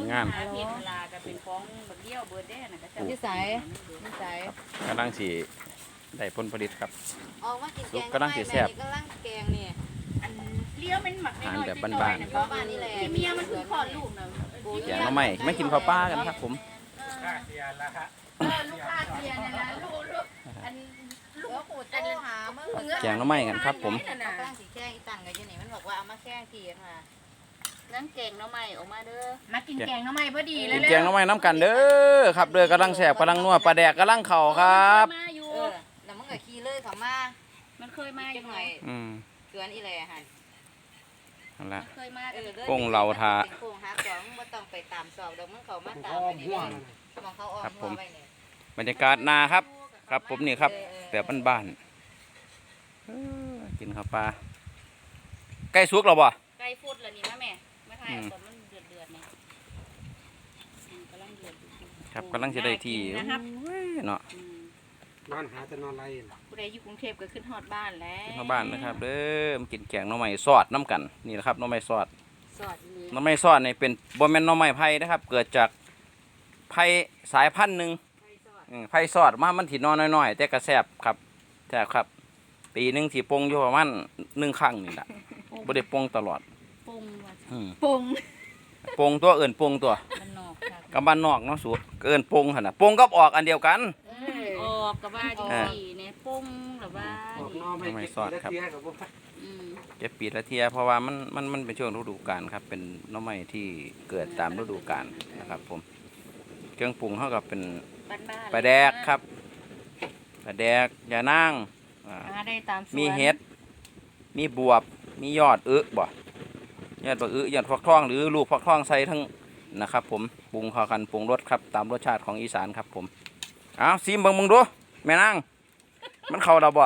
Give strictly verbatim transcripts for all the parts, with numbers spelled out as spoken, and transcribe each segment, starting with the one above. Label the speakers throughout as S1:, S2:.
S1: งาน
S2: เพียงเวลาก็เป็นของบักเดียวเบิดได้น่ะก็จะ
S3: นิสัยนิสัย
S1: กำลังสีได้ผลผลิตครับ
S3: ออกมากินแกง
S1: กำลังสิแซ่บ
S3: กำลังแกงนี่
S2: อันเลี้ยวเป็นหมักน้อยๆ
S1: อาหารแบบ
S2: น้
S1: บ้า
S2: อย
S1: น
S2: ๆ
S1: ๆ
S2: นะ
S3: เพราะบ้านนี่แหละ
S2: ที่เมียมันคือคลอดลูกนะ
S1: แกงหน้ำใหม่ไม่กินข้าวปลากันครับผม
S4: ค่าเสียละฮะ
S2: เออลูกค้าเสียเนี่ยนะลูกลูกอันลูกปูดอัน
S3: หาเมื่อ
S1: แกงหน้ำใหม่กันครับผม
S3: กำลังสิแข้งอีตังกันอยู่นี่มันบอกว่าเอามาแข้งทีมา
S2: นั่นแกงหน้ำใหม่ออกมาเด้อมากินแกงหน้ำใหม่พอดีเล
S1: กิ
S2: ย
S1: นแกงหน้ำใหม่น้ำกันเด้อครับเด้อกำลังแสบกำลังนัวปลาแดกกำลังเข่าครับ
S2: มาอยู่
S3: เออแล้วมึงก็ขี่เลยเขามา
S2: มันเคยมาอ
S3: จั
S2: ยู่
S3: ง
S2: ห
S3: ห
S2: น่
S3: น่
S2: อ
S3: อย ย
S1: อืม
S3: เกือนอีแลหัน
S1: นั่นแหละ
S2: เคยมา
S3: เอ
S2: กัน
S3: อ
S1: โป่งเราทา
S3: โป่งหาสองบ่ต้องไปตามสอบดอกมึงเขามาตาม
S4: อ้อ
S3: ไป
S4: ม
S3: นี่
S4: หัว
S3: เลยมองเขาอ้อมหัวไว้เนี่ย
S1: บรรยากาศนาครับ ครับผมนี่ครับ แบบบ้านๆเออกินข้าวปลาใกล้สุกแล้วบ่
S2: ไก่ฟุดแล้วนี่มาแม่มาถ่ายเอาตอนมันเดือดเดือดๆเนี่ยอืมกำลังเดือดอยู่
S1: ครับกำลังจะได้ที่
S2: น่ากินนะครับ
S1: โอ้ยเนาะ
S2: อืม
S4: นอนหาจะนอนไรล่ะ
S2: ผู้ใดอยู่กรุงเทพก็ขึ้นฮอดบ้านแล้ว
S1: มาบ้านนะครับเด้อมากินแกงหน่อไม้ซอดน้ำกันนี่แหละครับหน่อไม้ซอด
S2: สอดเลย
S1: หน่อไม้ซอดนี่เป็นบ่แม่นหน่อไม้ไผ่นะครับ เกิดจากไผ่สายพันธุ์หนึ่ง
S2: ไก่สอด
S1: อืมไผ่ซอดมามันถินอนน้อยๆแต่ก็แซ่บครับแซ่บครับ ปีหนึงสิปรุงอยู่ประมาณหนึ่งครั้งนี่แหละบ่ได้ปรุงตลอด
S2: ปรุงว่า
S1: อืม
S2: ปรุง
S1: ปรุงตัวเอื่นปรุงตัว
S2: มันนอกครับ
S1: กับบ้านนอกเนาะสูเอิ้นปรุงหั่นน่ะปรุงกับออกอันเดียวกัน
S2: ออกกับว่าจังสี่เนี่ยปรุงหรือว่า
S4: ออก
S2: นี่
S4: นอนไม่
S1: ไม่
S4: เก็บ
S1: สอด
S4: แล้ว
S1: ครับ
S4: เสียกับพวก
S2: อืม
S1: เก็บปีละเทียเพราะว่ามันมันมันเป็นช่วงฤดูกาลครับ เป็นหน่อไม้ที่เกิดตามฤดูกาลนะครับ ผมเครื่องปรุงเท่ากับเป็น
S2: บ้านๆ
S1: ปลาแดกครับปลาแดกยานางอ่า
S2: หาได้ตามสวน
S1: มีเห็ด มีบวบ มียอดอึบ่ยอดบักอึยอดฟักทองหรือลูกฟักทองใส่ทั้งนะครับ ผมปรุงเข้ากันปรุงรสครับตามรสชาติของอีสานครับ ผมเอาซิมเบิ่งมึงดูแม่นางมันเข้าเราบ่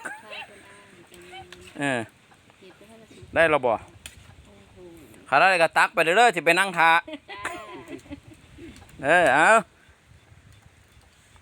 S1: เออได้เราบ่ขาได้ก็ตักไปเรื่อยๆสิไปนั่งทาเออเอา